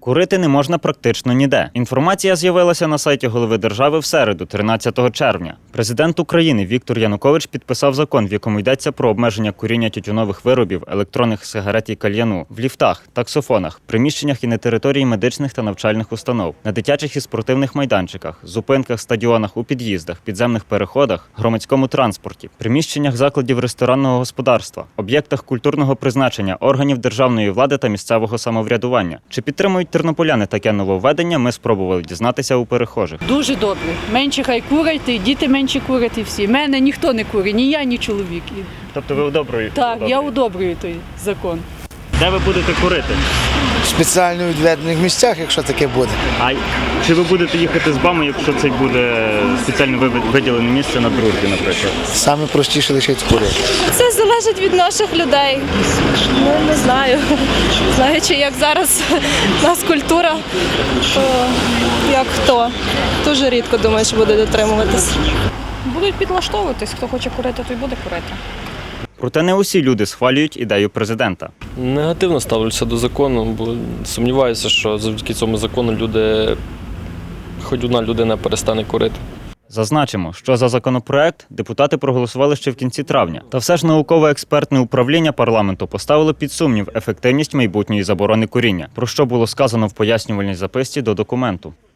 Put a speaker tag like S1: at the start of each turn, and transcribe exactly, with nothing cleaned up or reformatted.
S1: Курити не можна практично ніде. Інформація з'явилася на сайті голови держави в середу, тринадцятого червня. Президент України Віктор Янукович підписав закон, в якому йдеться про обмеження куріння тютюнових виробів, електронних сигарет і кальяну в ліфтах, таксофонах, приміщеннях і на території медичних та навчальних установ, на дитячих і спортивних майданчиках, зупинках, стадіонах, у під'їздах, підземних переходах, громадському транспорті, приміщеннях закладів ресторанного господарства, об'єктах культурного призначення, органів державної влади та місцевого самоврядування. Чи підтримують тернополяни таке нововведення, ми спробували дізнатися у перехожих.
S2: Дуже добре. Менше хай курять, і діти менше курять, і всі. Мене ніхто не курить, ні я, ні чоловік.
S1: Тобто ви одобрюєте?
S2: Так, я одобрюю той закон.
S1: Де ви будете курити?
S3: В спеціально відведених місцях, якщо таке буде.
S1: А чи ви будете їхати з бами, якщо це буде спеціально виділене місце на дружбі, наприклад?
S3: Саме простіше лишити курити.
S4: Це залежить від наших людей. Ну, не знаю. Знаючи, як зараз у нас культура, то як хто. Дуже рідко думаю, що буде дотримуватись.
S5: Будуть підлаштовуватись, хто хоче курити, той буде курити.
S1: Проте не усі люди схвалюють ідею президента.
S6: Негативно ставлюся до закону, бо сумніваюся, що завдяки цьому закону люди, хоч одна людина перестане курити.
S1: Зазначимо, що за законопроект депутати проголосували ще в кінці травня. Та все ж науково-експертне управління парламенту поставило під сумнів ефективність майбутньої заборони куріння, про що було сказано в пояснювальній записці до документу.